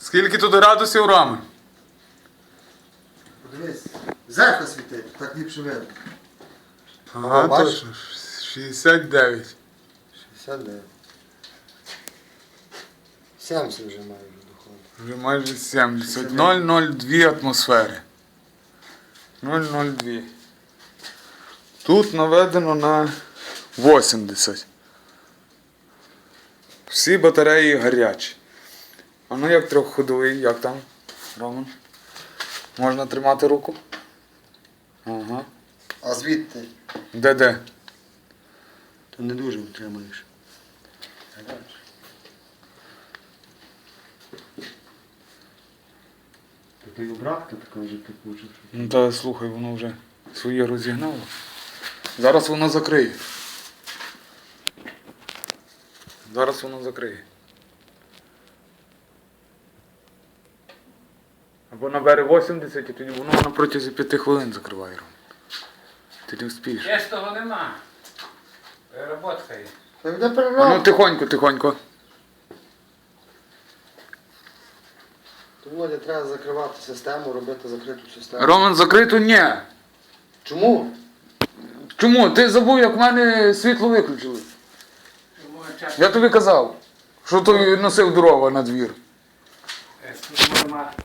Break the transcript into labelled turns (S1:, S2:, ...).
S1: Скільки тут градусів, Рома?
S2: Подивись, зеркало світить, так ліпше видно.
S1: Ага,
S2: бачиш?
S1: точно. 69.
S2: 69. 70 вже має вже доходить.
S1: Вже майже 70. 0,02 атмосфери. 0,02. Тут наведено на 80. Всі батареї гарячі. А ну як трьохходовий, як там, Роман? Можна тримати руку? Ага.
S2: А звідти?
S1: Де?
S2: То не дуже утримуєш. То й обратка така вже кипуча.
S1: Ну та слухай, воно вже своє розігнало. Зараз воно закриє. Зараз воно закриє. Або набере 80 і тоді воно на протязі 5 хвилин закриває. Ром. Ти не вспієш.
S3: Чистого нема. Переработка є.
S2: Та йде
S1: А ну
S2: переробка.
S1: тихонько.
S2: То, Володя, треба закривати систему, робити закриту систему.
S1: Роман, закрито? Ні.
S2: Чому?
S1: Чому? Ти забув, як в мене світло виключили.
S3: Тому час
S1: Я тобі казав, що ти носив дрова на двір.
S3: нема.